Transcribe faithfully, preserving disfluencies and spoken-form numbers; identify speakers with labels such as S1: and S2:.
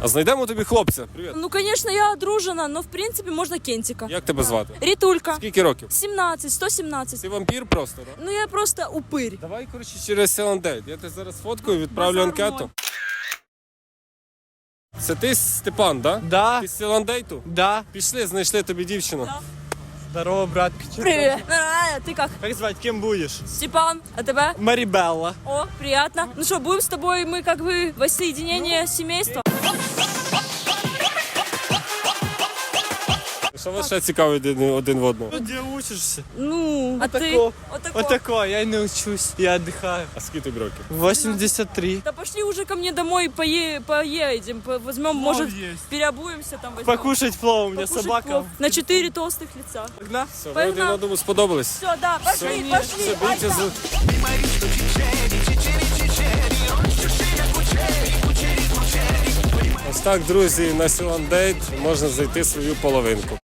S1: А знайдемо тобі хлопця. Привіт.
S2: Ну, конечно, я одружена, но в принципе можно Кентика.
S1: Як тебе звати?
S2: Ритулька.
S1: Скільки років?
S2: семнадцать, сто семнадцать.
S1: Ти вампір просто, так?
S2: Ну я просто упырь.
S1: Давай, коротше, через Селандейт. Я тебе зараз фоткаю, відправлю
S2: Базар
S1: анкету.
S2: ноль.
S1: Це ти, Степан, да?
S3: Да,
S1: Ти з Селандейту?
S3: да.
S1: Пішли, знайшли тобі дівчину.
S2: Да.
S3: Здорово, братка.
S2: Привет. Нормально, ты как?
S3: Как звать, кем будешь?
S2: Степан, а тебя?
S3: Марибелла.
S2: О, приятно. Ну что, будем с тобой, мы как бы воссоединение семейства.
S1: Що вас ще цікавить один, один в одного?
S3: Ну, где учишься?
S2: Ну, а ты?
S3: тако.
S2: Вот такой.
S3: Вот такое, я не учусь, я отдыхаю.
S1: А скільки тобі років?
S3: восемьдесят три.
S2: Да пошли уже ко мне домой, пое... поедем, по- возьмем, может,
S3: есть.
S2: переобуемся там, возьмем.
S3: Покушать плов, у меня
S2: Покушать
S3: собака.
S2: плов на четыре толстых лица.
S3: Тогда?
S1: Все, ви
S2: Погнали.
S1: один одному сподобались?
S2: Все, да, пошли,
S1: Все,
S2: пошли.
S1: беріться
S2: Альта.
S1: за... Ось так, друзі, на Селандейт можна знайти свою половинку.